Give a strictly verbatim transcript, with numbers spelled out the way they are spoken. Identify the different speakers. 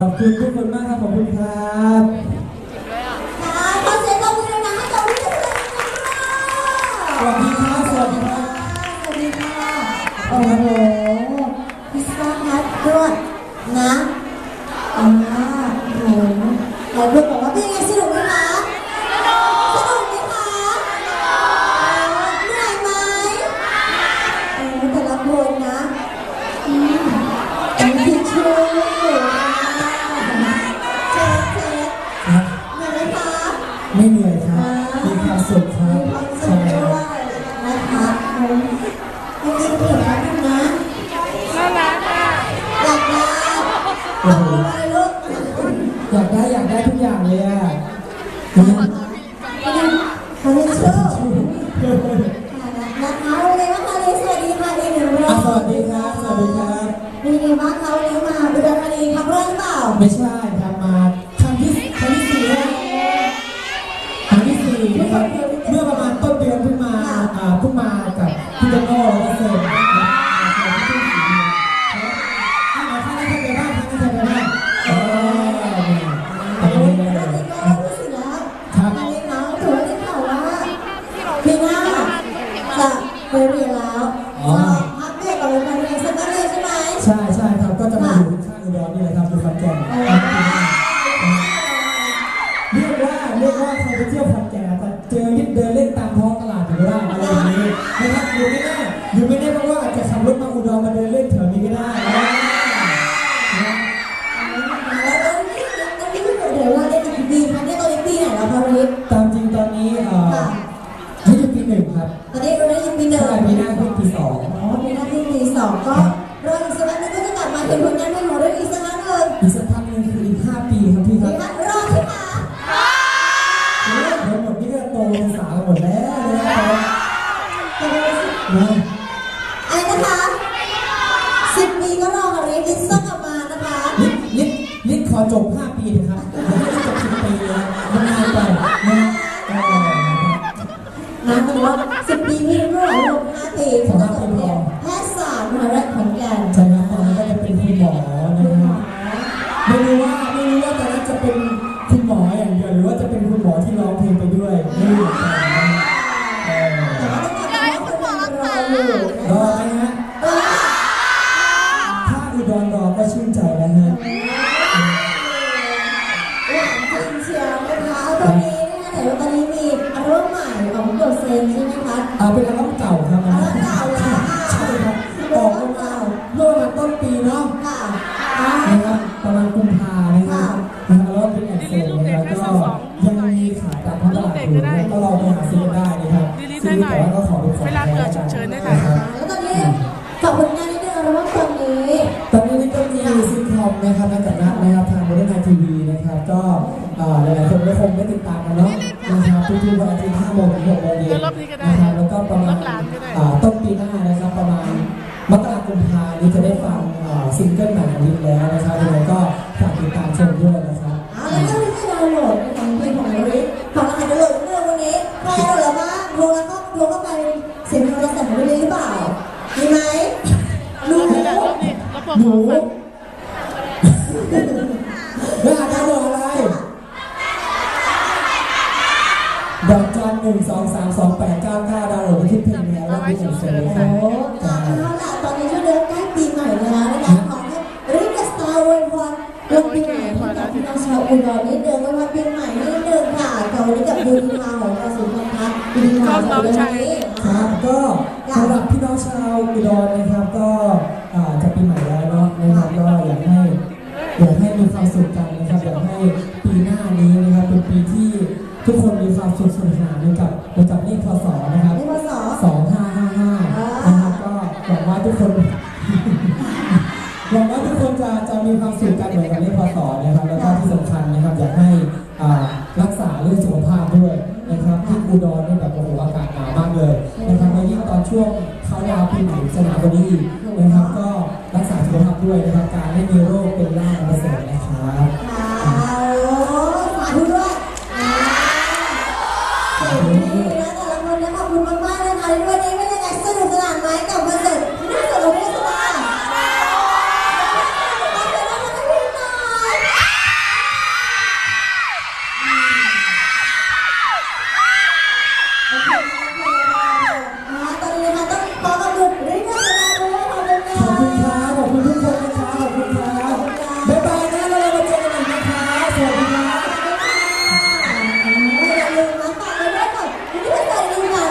Speaker 1: ขอบคุณทุกคนมากครับขอบคุณครับ
Speaker 2: ค่ะขอเสียงปรบมือดังๆให้กับวิทยากร
Speaker 1: สวัสดีครับสวัสดีครับ
Speaker 2: สวัสดีค่ะโอ้โหพิซซ่าฮัทด้วยนะอ่าโอ้โหหลายคนบอกว่าเป็นยังไงสนุกไหมคะสนุกไหมคะเหนื่อยไหมโอ้แต่ละคนนะอืมอันนี้คือชื่อ
Speaker 1: ไม่เหนื่อยครับมีความสุขครับ
Speaker 2: มีความสุขด้วยนะคะจริงๆเห็นแล้วนะน่ารักอ่ะอยากได้โอ้โหลูก
Speaker 1: อยากได้อยากได้ทุกอย่างเลยอ่ะ
Speaker 2: เขาเรียกชื่อนะคะวันนี้ว่าคาริสวัสดีค่ะดีหนึ่งรอบ
Speaker 1: สวัสดีครับสวัสดีครับ
Speaker 2: มีไงบ้างคะวันนี้มาอุดรธานีครั้งแรกหรือเปล่า
Speaker 1: ไม่ใช่ครับมาครั้งที่ครั้งที่สี่แล้วครั้งที่สี่นะครับเมื่อประมาณต้นเดือนเพิ่งมาอ่าเพิ่งมากับพี่โตโน่แล้วก็เซน
Speaker 2: ไปเรียนแล้วพักเรียนกับโรงเรียนเรียนเสร็จแล้วเลยใช่ไหม
Speaker 1: ใช่ใช่ครับก็จะมาอยู่ข้างอุดรนี่แหละครับอยู่ขอนแก่นเรียกว่าเรียกว่าใครไปเที่ยวขอนแก่นแต่เจอยิบเดินเล่นตามท้องตลาดอยู่ก็ได้อะไรอย่างนี้นะครับอยู่ไม่ได้อยู่ไม่ได้เพราะว่าจะขับรถมาอุดรมาเดินเล่นแถวนี้ก็ได้
Speaker 2: แล้วตอนนี้ตอนนี้เดี๋ยวว่าได้กี่ปีคะได้ตอนนี้ปีไหนแล้วคะวันนี้
Speaker 1: ตามจริงตอนนี้เอ่อนี่อยู่ปีหนึ่งครับ
Speaker 2: ตอนนี้เราได้อยู่ปีหนึ่ง
Speaker 1: ปีหน้าขึ้นปีสอง
Speaker 2: อ๋อปีหน้าขึ้นปีสองก็รออีกสักพักนึงก็จะกลับมาเห็นผลงานเพลงของเราอีกสักพักนึง
Speaker 1: อีกสักพักนึงคืออีกห้าปีครับพี่ครับ
Speaker 2: รอใช่ไหม
Speaker 1: เดี๋ยวหมดนี่ก็โตเป็นสาวหมดแล้วนะครับ
Speaker 2: อะไรนะคะสิบปีก็รอค่ะลิซต้องกลับมานะคะ
Speaker 1: ลิซลิซลิซขอจบห้าปีนะครับอย่าให้จบสิบปีเลยมันนานไปนะ
Speaker 2: นะแต่ว่าสิบปีพี่เมื่อไหร่ลงห้าปีเขาจะจบเนี่ยแพทยศาสตร์มหาวิทยาลัยขอนแก่น
Speaker 1: ใช่ครับตอนนั้นก็จะเป็นคุณหมอนะครับไม่รู้ว่าไม่รู้ว่าตอนนั้นจะเป็นคุณหมออย่างเดียวหรือว่าจะเป็นคุณหมอที่ร้องเพลงไปด้วยไม่รู้เหมือนกัน
Speaker 2: แต่ว่าต้องกลับมาคนยังรออยู่
Speaker 1: รอไหมฮะถ้าอุดรรอก็ชื่นใจแล้วฮะ
Speaker 2: หวานจริงเชียวนะคะตอนนี้นะคะแต่ว่าตอนนี้มีอัลบั้มใหม่ของโดเซนใช่ไหมคะ
Speaker 1: อ่าเป็นอัลบั้มเก่าครับ
Speaker 2: อัลบั้มเก่าแล้ว
Speaker 1: ใช่ครับออกมาเมื่อวันต้นปีเนาะ
Speaker 2: ค่ะ
Speaker 1: นะครับประมาณกุมภานะครับนะครับแล้วเป็นแอนเซลนะครับก็ยังมีขายตามท้องตลาดอยู่ก็ลองไปหาซื้อได้นะครับซื้อแต่ว่าก็ขอเป็นของแท้
Speaker 2: นะครับแล้วตอนนี้ฝากผลงานนิดนึงอัลบั้มตอนนี้
Speaker 1: ตอนนี้นี่ก็มีซิทคอมนะครับนักจัดนัดนะครับทางบริษัททีวีนะครับก็หลายๆคนก็คงได้ติดตามกันเนาะนะครับทุกๆวันอาทิตย์ห้าโมงถึงหกโมงเย็นนะครับแล้วก็ประมาณต้นปีหน้านะครับประมาณมกราคมพานี้จะได้ฟังซิงเกิลใหม่ของลิซแล้วนะครับยังไงก็ฝากติดตามชมด้วยนะครับ
Speaker 2: อ๋อแล้วก็ลิซดาวน์โหลดของเพลงของลิซของอะไรดาวน์โหลดเรื่องวันนี้ใครดาวน์โหลดบ้างโทรแล้วก็โทรเข้าไปเสียงโทรศัพท์ของลิซหรือเปล่ามีไหมหนู
Speaker 1: หนูแล้วอาจารย์บอกอะไรดอกจันหนึ่งสองสามสองแปดเก้าเก้าดาวน์โหลดที่เพลงแล้วว่าที่ผมเสนอครับ
Speaker 2: โอ้เอาล่ะตอนนี้ช่วงเดือนใกล้ปีใหม่แล้วนะคะขอให้ริกสตาร์วันวันเรื่องปีใหม่ให้กับพี่น้องชาวอุดรนิดเดิมวันปีใหม่นิดเดิมค่ะกับวันนี้กับดูดีมาของเราสุนทรพัฒน์ดูดีมาของเรานี้
Speaker 1: ครับก็สำหรับพี่น้องชาวอุดรนะครับก็จะปีใหม่แล้วเนาะนะครับก็อยากให้อยากให้มีความสุขกันนะครับอยากให้ปีหน้านี้นะครับเป็นปีที่ทุกคนมีความสุขสนุกสนานกับกับเลขพศนะครับสองห้าห้าห้านะครับก็หวังว่าทุกคนหวังว่าทุกคนจะจะมีความสุขกันเหมือนกับเลขพศนะครับแล้วก็ที่สำคัญนะครับอยากให้รักษาเรื่องสุขภาพด้วยนะครับที่อุดรนี่แบบโอ้โหอากาศหนาวมากเลยนะครับแล้วยิ่งตอนช่วงเขาดาวปีใหม่จะหนาวกว่านี้นะครับก็รักษาสุขภาพด้วยนะครับการไม่มีโรคเป็นล่าประเสริฐนะครับ
Speaker 2: ฝากด้วยขอบคุณนะแต่ละคนนะขอบคุณมากๆนะคะวันนี้เป็นยังไงสนุกสนานไหมกับคอนเสิร์ตน่าสนุกไม่สบายโอเค